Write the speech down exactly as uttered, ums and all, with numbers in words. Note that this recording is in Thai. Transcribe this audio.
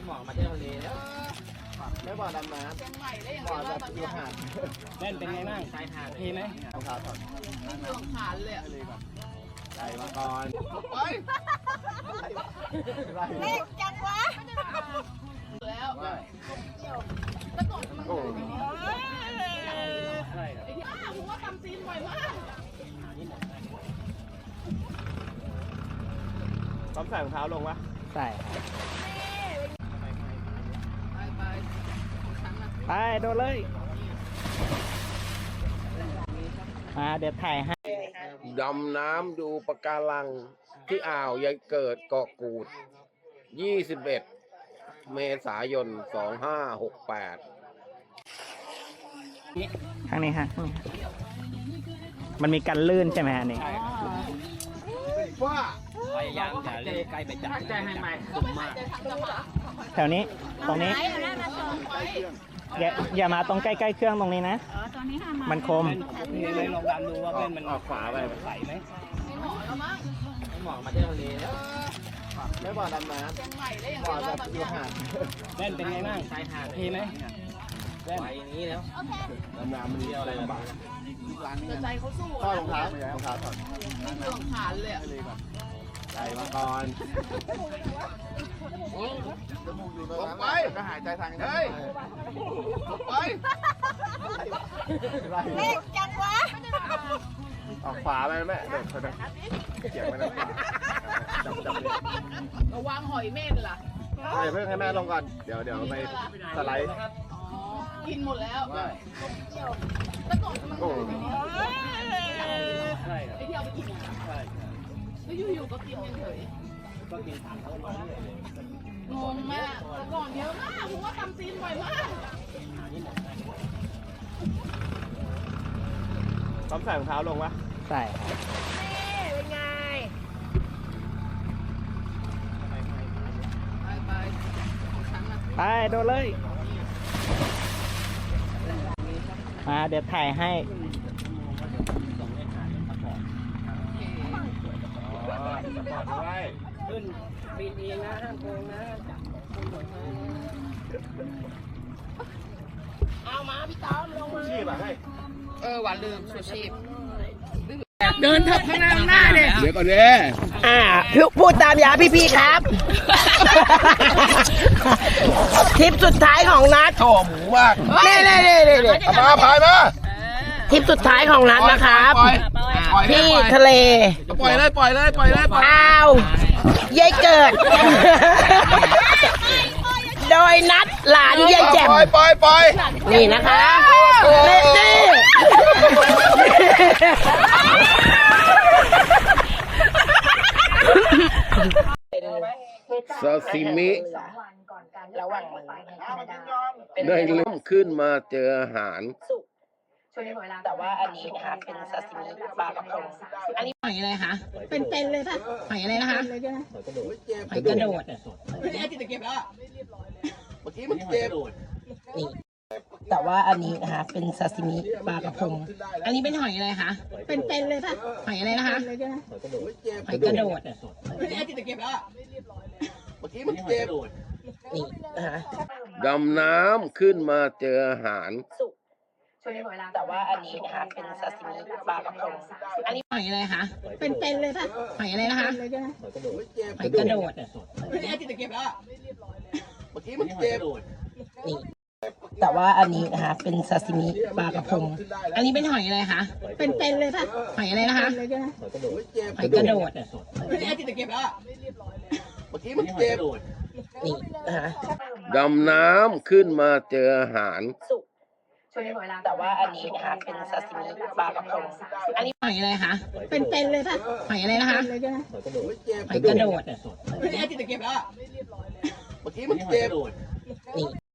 หมอกมาเที่ยวทะเลแล้วไม่บ่อดำน้ำบ่อแบบอยู่หาดเล่นเป็นไงบ้างชายหาดมีไหมรองเท้าถอดไม่ลงขาเลยอ่ะใจมาก่อนเล็กจังวะแล้วโอ้ใช่ครับผมว่าทำซีนบ่อยมากต้องใส่รองเท้าลงวะใส่ไปโดนเลยมาเดี๋ยวถ่ายให้ดำน้ำดูปะการังที่อ่าวยายเกิดเกาะกูด ยี่สิบเอ็ด เมษายน สองห้าหกแปดข้างนี้ฮะมันมีกันลื่นใช่ไหมอันนี้ว่าพยายามอย่าเล่นใกล้ไปจับใจให้ไหมตุ่มมากแถวนี้ตรงนี้อย่าอย่ามาตรงใกล้ๆเครื่องตรงนี้นะมันคมนี่เลยลองดันดูว่าเพื่อนมันออกขวาไปใส่ไหมไม่หมอแล้วมั้งไม่หมอมาเที่ยวทะเลแล้วไม่บ่อดำน้ำบ่อแบบอยู่หาดเล่นเป็นไงบ้างชายหาดมีไหมเล่นไปอย่างนี้แล้วดำน้ำมันเที่ยวอะไรบ้างใจเขาสู้ก็รองเท้ารองเท้าถอดไม่ลงขาเลยอ่ะใจมาก่อนลงไปก็หายใจทางนี้ลงไปเล็กจังวะออกขวาไปแม่เด็กคนนั้นเกี่ยวไปแล้วจับจับเลยระวังหอยเม่นล่ะเดี๋ยวเพิ่งให้แม่ลงก่อนเดี๋ยวเดี๋ยวไปสไลด์กินหมดแล้วโอ้ใช่ไอ้ที่เอาไปกินใช่แล้วอยู่ๆก็กินเฉยก็กินถามเขางงมากแต่ก่อนเยอะมากผมว่าทำซีนบ่อยมากต้องใส่รองเท้าลงวะใส่เป็นไงไปโดนเลยมาเดี๋ยวถ่ายให้ขึ้นปีนเองนะห้ามโกงนะเอามาพี่ต้อมลงมาชีพอ่ะให้เออหวานลืมชูชีพเดินเถอะข้างหน้าข้างหน้าเนี่ยเดี๋ยวก่อนเลยอ่าพูดตามยาพี่ๆครับทริปสุดท้ายของนัดโถ่หมูมากเน่เน่เน่เน่เน่มาพายมาทริปสุดท้ายของนัดนะครับที่ทะเลปล่อยเลยปล่อยเลยปล่อยเลยอ้าวยายเกิดโดยนัดหลานยายแจ่มปล่อยปล่อยปล่อยนี่นะคะเล่นดิซาซิมิได้เริ่มขึ้นมาเจออาหารแต่ว่าอันนี้นะคะเป็นซาซิมิปลากระพงอันนี้หอยอะไรคะเป็นเป็นเลยป่ะหอยอะไรนะคะหอยกระโดดนี่จิตเก็บแล้วเมื่อกี้มันเจ็บนี่แต่ว่าอันนี้นะคะเป็นซาซิมิปลากระพงอันนี้เป็นหอยอะไรคะเป็นเป็นเลยป่ะหอยอะไรนะคะหอยกระโดดนี่จิตเก็บแล้วเมื่อกี้มันเจ็บนี่นะคะดำน้ำขึ้นมาเจออาหารแต่ว่าอันนี้นะคะเป็นซาซิมิปลากระพงอันนี้หอยอะไรคะเป็นเป็นเลยป่ะหอยอะไรนะคะหอยกระโดดนี่จิตเก็บแล้วเมื่อกี้มันเจ็บนี่แต่ว่าอันนี้นะคะเป็นซาซิมิปลากระพงอันนี้เป็นหอยอะไรคะเป็นเป็นเลยป่ะหอยอะไรนะคะหอยกระโดดนี่จิตเก็บแล้วเมื่อกี้มันเจ็บนี่นะคะดำน้ำขึ้นมาเจออาหารแต่ว่าอันนี้นะคะเป็นซาซิมิปลากระพงอันนี้หอยอะไรคะเป็นเป็นเลยป่ะหอยอะไรนะคะหอยกระโดดนี่จิตเก็บแล้วเมื่อกี้มันเจ็บนี่